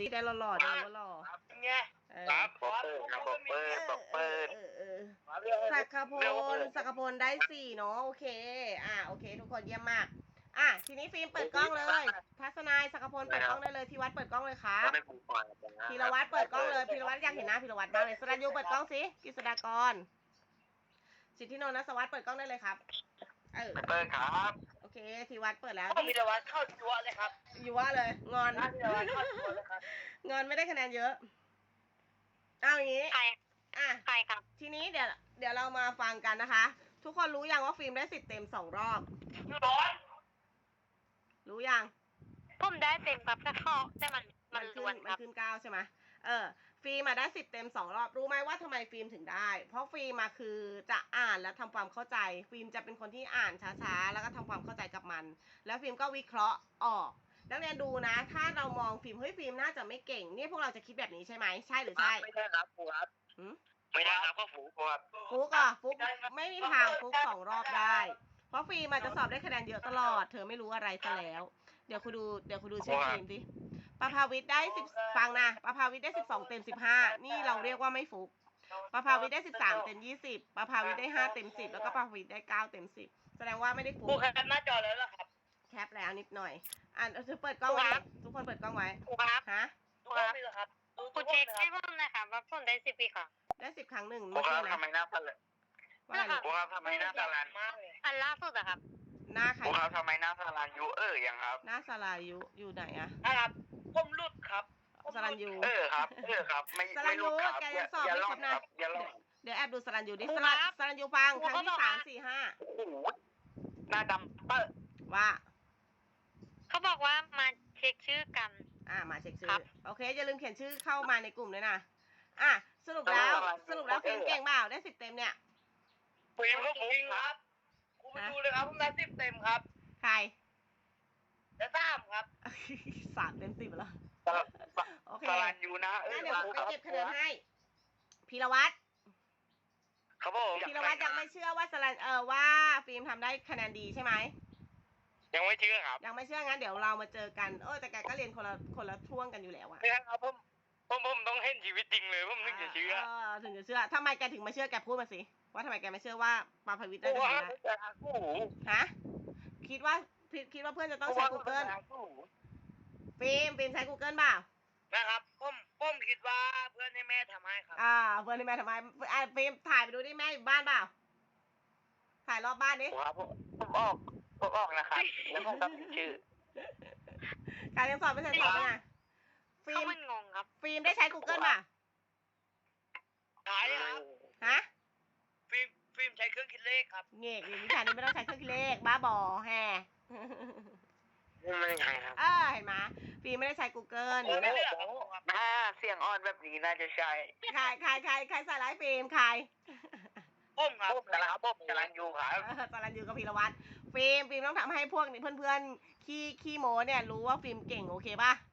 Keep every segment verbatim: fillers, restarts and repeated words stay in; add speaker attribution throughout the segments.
Speaker 1: สิได้หล่อๆได้ว่าหล่อ
Speaker 2: ไง
Speaker 1: เออ
Speaker 3: ครับปอกเปิดครับปอกเปิดปอกเปิด
Speaker 1: เออเออสักขพลสักขพลได้สี่เนาะโอเค อ่าโอเค ทุกคนเยี่ยมมาก อ่ะทีนี้ฟิล์มเปิดกล้องเลยทัศนายสักขพลเปิดกล้องได้เลยทีวัดเปิดกล้องเลยครับพีรวัตรเปิดกล้องเลยพีรวัตรอยากเห็นหน้าพีรวัตรมากเลยสรัญยูเปิดกล้องสิกฤษฎากรสิทธิโนนท์ ณ สวัสดิ์เปิดกล้องได้เลยครับเออ
Speaker 3: เปิดครับ
Speaker 1: โอเคทีวัดเปิดแล้ว
Speaker 2: พีรวัตรเข้าจั่วเลยครับ
Speaker 1: อยู่ว่าเลยงอน
Speaker 2: พีรวัตรเข้าจั่วเลยครับ
Speaker 1: งอนไม่ได้คะแนนเยอะเอาอย่างนี้
Speaker 4: ใคร
Speaker 1: อ่ะ
Speaker 4: ใครครับ
Speaker 1: ทีนี้เดี๋ยวเดี๋ยวเรามาฟังกันนะคะ ทุกคนรู้ยังว่าฟิล์มได้สิบเต็มสองรอบ
Speaker 2: ร้อน
Speaker 1: รู้ยัง
Speaker 4: ผมได้เต็มครับถ้าเข้าแต่มันมัน
Speaker 1: ขึ้
Speaker 4: ล้วน
Speaker 1: น
Speaker 4: ค
Speaker 1: มัน
Speaker 4: รับ
Speaker 1: ขึ้นเก้าใช่ไหมเออฟิล์มมาได้สิบเต็มสองรอบรู้ไหมว่าทำไมฟิล์มถึงได้ เพราะฟิล์มมาคือจะอ่านและทำความเข้าใจ ฟิล์มจะเป็นคนที่อ่านช้าๆแล้วก็ทำความเข้าใจกับมัน แล้วฟิล์มก็วิเคราะห์ออกนักเรียนดูนะ ถ้าเรามองฟิล์มเฮ้ยฟิล์มน่าจะไม่เก่งนี่พวกเราจะคิดแบบนี้ใช่ไหมใช่หรือใช่
Speaker 2: ไม่ใช่ครับครูครับ
Speaker 1: หืม
Speaker 3: ไม่ได้ครับก็ฝูครับ
Speaker 1: ฟุกอ่ะฟุกไม่มีทางฟุกสองรอบได้ เพราะฟิล์มอาจจะสอบได้คะแนนเยอะตลอด เธอไม่รู้อะไรซะแล้ว เดี๋ยวคุณดูเดี๋ยวคุณดูชื่อฟิล์มดิประภาวิทย์ได้สิบฟังนะประภาวิทย์ได้สิบสองเต็มสิบห้านี่เราเรียกว่าไม่ฟุกประภาวิทย์ได้สิบสามเต็มยี่สิบประภาวิทย์ได้ห้าเต็มสิบแล้วก็ประภาวิทย์ได้เก้าเต็มสิบแสดงว่าไม่ได้ฟุ
Speaker 2: ครู
Speaker 1: ก
Speaker 2: แคปหน้าจอแล้วเหรอครับ
Speaker 1: แคปแล้วนิดหน่อยอ่ะเธอเปิดกล้องไว้ทุกคนเปิดกล้องไว้
Speaker 4: ครูครับ
Speaker 1: ฮะ
Speaker 2: ทุกคนมีเหรอครับ
Speaker 4: ครูเช็คให้ผมหนะครับว่าผมได้สิบปีค่ะ
Speaker 1: ได้สิบครั้งหนึ่ง
Speaker 3: ครู
Speaker 1: เมื่อ
Speaker 3: ครั
Speaker 1: กี้
Speaker 3: บ
Speaker 1: นะ
Speaker 3: ทำไมหน้าตาละ
Speaker 1: ว่าอะไร
Speaker 3: ครูครับทำไมหน้าตาลัน
Speaker 2: มากเลย
Speaker 4: อันล่าสุดอะครับ
Speaker 1: หน้าใคร
Speaker 3: ครูครับทำไมหน้าตาลันยูเออยังครับ
Speaker 1: หน้าสลายุอยู่ไหนอะ
Speaker 2: นะครับผมหลุดครับ
Speaker 1: สรัญยู
Speaker 3: เออครับเออครับไม่ไม่รู้ครับ
Speaker 1: สรัญยูแกยังสอบ
Speaker 3: อย่า
Speaker 1: ไม่
Speaker 3: ล่อ
Speaker 1: คร
Speaker 3: ง
Speaker 1: บนะ
Speaker 3: ครับอย่าล่อง
Speaker 1: เดี๋ยวแอบดูสรัญยูดิ
Speaker 4: ครู
Speaker 1: สรัญ
Speaker 4: ครับ
Speaker 1: สรัญยูฟัง
Speaker 4: ครู
Speaker 1: ครั้งที่
Speaker 4: เขาบอก
Speaker 1: สาม
Speaker 4: ว่า
Speaker 1: สี่ห้า
Speaker 3: โอ้โหหน้าดำเปอะ
Speaker 1: ว่า
Speaker 4: เขาบอกว่ามาเช็คชื่อกัน
Speaker 1: อ่ามาเช็คชื่
Speaker 4: ครั
Speaker 1: อบ โอเคอย่าลืมเขียนชื่อเข้ามาในกลุ่มด้วยนะอ่ะสรุปแล้วสรุปแล้วฟิล์มเก่งเปล่าได้สิบเต็มเนี่ย
Speaker 2: ฟิล์มก็ฟุ้งครับครูไปดูเลยครับผมได้สิบเต็มครับ
Speaker 1: ใคร
Speaker 2: จะตามครับ
Speaker 1: สามเต็มสิบแล้ว
Speaker 3: สลัน
Speaker 1: โอเค
Speaker 3: สลันยูนะเออ
Speaker 1: งั้นเดี๋ยวผมไป
Speaker 3: ครับ
Speaker 1: เก็บคะแนนให้พีรวัตร
Speaker 3: ครับผม
Speaker 1: พีรวัตรยังไม่เชื่อว่าสรัญเออว่าฟิล์มทำได้คะแนนดีใช่ไหม
Speaker 3: ยังไม่เชื่อครับ
Speaker 1: ยังไม่เชื่องั้นเดี๋ยวเรามาเจอกันเออแต่แกก็เรียนคนละคนละช่วงกันอยู่แล้วอะ
Speaker 3: ไม่ครับผมผมผมต้องเห็นชีวิตจริงเลยผมถึงจะเชื่อ
Speaker 1: เออถึงจะเชื่อทำไมแกถึงมาเชื่อแกพูดมาสิว่าทำไมแกไม่เชื่อว่าปาภวิทย์ได้
Speaker 3: โอ้
Speaker 1: คะ
Speaker 3: โห
Speaker 1: แนนได้
Speaker 3: โอ้โห
Speaker 1: ฮะคิดว่าคิดว่าเพื่อนจะต้องใช้ Google ฟิล์มฟิล์มใช้ Google เปล่า
Speaker 2: นะครับผมผมคิดว่าเพื่อนให้แม่ทำให้ครับ
Speaker 1: อ่าเพื่อนที่แม่ทำไมอ่าฟิล์มถ่ายไปดูดิแม่อยู่บ้านเปล่าถ่ายรอบบ้านดิ
Speaker 3: ครับผมผมออกผมออกนะครับแล้วผมก็พิมพ์ชื่อ
Speaker 1: การยังสอบไม่เสร็จสอบไงฟิ
Speaker 4: เขา
Speaker 1: ล์ม
Speaker 4: มันงงครับ
Speaker 1: ฟิล์มได้ใช้ Google เปล่า
Speaker 2: ขายครับ
Speaker 1: ฮะ
Speaker 2: ฟิล์มฟิล์มใช้เครื่องคิดเลขครับ
Speaker 1: เงี้ยวิชานี้ไม่ต้องใช้เครื่องคิดเลขบ้าบอแฮ
Speaker 3: ไม่ใช่ครับ
Speaker 1: เออเห็นไหมฟิล์มไม่ได้ใช้ Google
Speaker 2: โอ้ไม่เลือกครับครูครับ
Speaker 3: ถ้าเสียงอ่อนแบบนี้น่าจะใช่
Speaker 1: ใครใครใครใครใส่ร้ายฟิล์มใคร
Speaker 2: ผมครับ
Speaker 3: ผมกำลังผมกำลังอยู่ครับ
Speaker 1: เออสารันยูกับพีรวัตรฟิล์มฟิล์มต้องทำให้พวกนี้เพื่อนๆขี้ขี้โมเนี่ยรู้ว่าฟิล์มเก่งโอเคป่ะ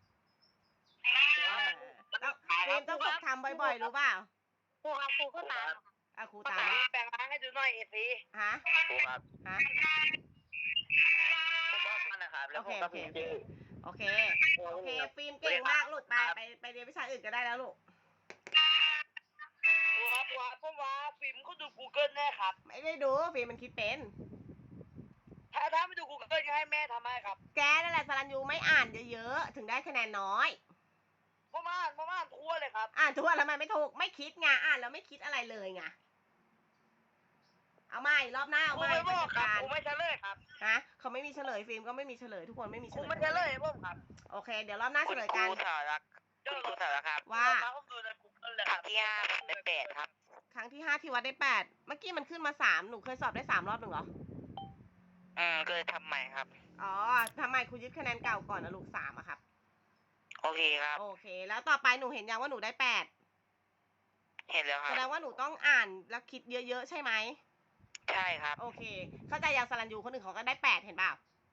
Speaker 1: ต้องฟิล์มต้องฝึกทำบ่อยๆรู้เปล่า
Speaker 4: ครูครับครูก็ตามครับ
Speaker 1: อ่ะครู
Speaker 2: ตา
Speaker 1: ตาม
Speaker 2: แปลงร่างให้ดูหน่อยเอซี
Speaker 1: ฮะ
Speaker 3: ครูครับ
Speaker 1: ฮะ
Speaker 3: ผมบอกมันนะครับ แล้วผมก็พิมพ์ชื่อ
Speaker 1: โอเคโอเคฟิล์มเก่งมากลูกไปไปไปเรียนวิชาอื่นก็ได้แล้วลูก
Speaker 2: ครูครับครูครับผมว่าฟิล์มก็ดู Google แน่ครับ
Speaker 1: ไม่ได้ดูฟิล์มมันคิดเป็น
Speaker 2: ถ้าถ้าไม่ดู Google ก็ให้แม่ทำให้ครับ
Speaker 1: แกนั่นแหละสารันยูไม่อ่านเยอะๆถึงได้คะแนนน้อย
Speaker 2: ผมอ่านผมอ่านทั่วเลยครับ
Speaker 1: อ่านทั่วแล้วมันไม่ถูกไม่คิดไงอ่านแล้วไม่คิดอะไรเลยไงเอาใหม่รอบหน้า
Speaker 2: ค
Speaker 1: เอา
Speaker 2: รู
Speaker 1: ใหม่
Speaker 2: ไม่บอกครับ
Speaker 1: การ
Speaker 2: ครูไม่เฉลยครับ
Speaker 1: ฮะเขาไม่มีเฉลยฟิล์มก็ไม่มีเฉลยทุกคนไม่มี
Speaker 2: ค
Speaker 1: เฉ
Speaker 2: รู
Speaker 1: ลย
Speaker 2: ไม่เฉลยผมครับ
Speaker 1: โอเค เดี๋ยวรอบหน้าเฉ
Speaker 3: คุณ
Speaker 1: ลย
Speaker 3: ค
Speaker 1: กั
Speaker 3: รู
Speaker 1: น
Speaker 3: สารักคุณครูสารักครับ
Speaker 1: ว่า
Speaker 2: ผมดูใน Google เลย
Speaker 3: ครั้งที่ห้าผมได้แปดครับ
Speaker 1: ครั้งที่ห้าที่วัดได้แปดเมื่อกี้มันขึ้นมาสามหนูเคยสอบได้สามรอบหนึ่งเหรอ
Speaker 3: อืมก็เลยทำใหม่ครับ
Speaker 1: อ๋อทำไมครูยึดคะแนนเก่าก่อนนะลูกสามอะครับ
Speaker 3: โอเคครับ
Speaker 1: โอเค แล้วต่อไปหนูเห็นยังว่าหนูได้แปด
Speaker 3: เห็นแล้วค
Speaker 1: แส
Speaker 3: รับ
Speaker 1: ดงว่าหนูต้องอ่านแล้วคิดเยอะๆใช่ไหม
Speaker 3: ใช่ครับ
Speaker 1: โอเค เข้าใจอย่างสรันยูคนอื่นเขาก็ได้แปดเห็นเปล่า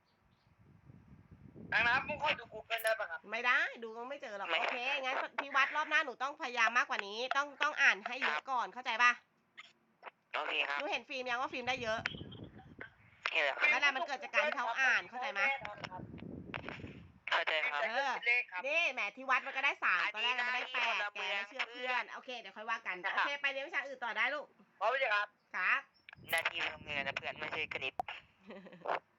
Speaker 2: ดังนั้นผมขอดู Google ได้ป่ะครับ
Speaker 1: ไม่ได้ดูก็ไม่เจอหรอกโอเคงั้นที่วัดรอบหน้าหนูต้องพยายามมากกว่านี้ ต้องต้องอ่านให้เยอะก่อนเข้าใจป่ะ
Speaker 3: โอเคครับ
Speaker 1: หนูเห็นฟิล์มยังว่าฟิล์มได้เยอะ
Speaker 3: เห็นแล้วครับ
Speaker 1: นั่นแหละมันเกิดจากการที่เขาอ่านเข้าใจไหม
Speaker 3: คเข้าใจ
Speaker 2: ทีม
Speaker 3: ครับ
Speaker 2: ใดก็คิดเลขครับ
Speaker 1: นี่แหมที่วัดมันก็ได้สาม
Speaker 3: อัน
Speaker 1: ตอน
Speaker 3: นี้
Speaker 1: แรกมันได้
Speaker 3: ได้
Speaker 1: แป
Speaker 3: คน
Speaker 1: ด
Speaker 3: ละ
Speaker 1: แก
Speaker 3: เมือง
Speaker 1: ไม่เชื่อ
Speaker 3: เพื่
Speaker 1: เพื่
Speaker 3: อ
Speaker 1: อน นโอเคเดี๋ยวค่อยว่ากัน
Speaker 3: ครับ
Speaker 1: โอเคไปเรียนวิชาอื่นต่อได้ลูก
Speaker 2: พร้อมไหมครับ
Speaker 1: ครับ
Speaker 3: หน้าที่เพื่อนนะเพื่อนไม่ใช่คณิต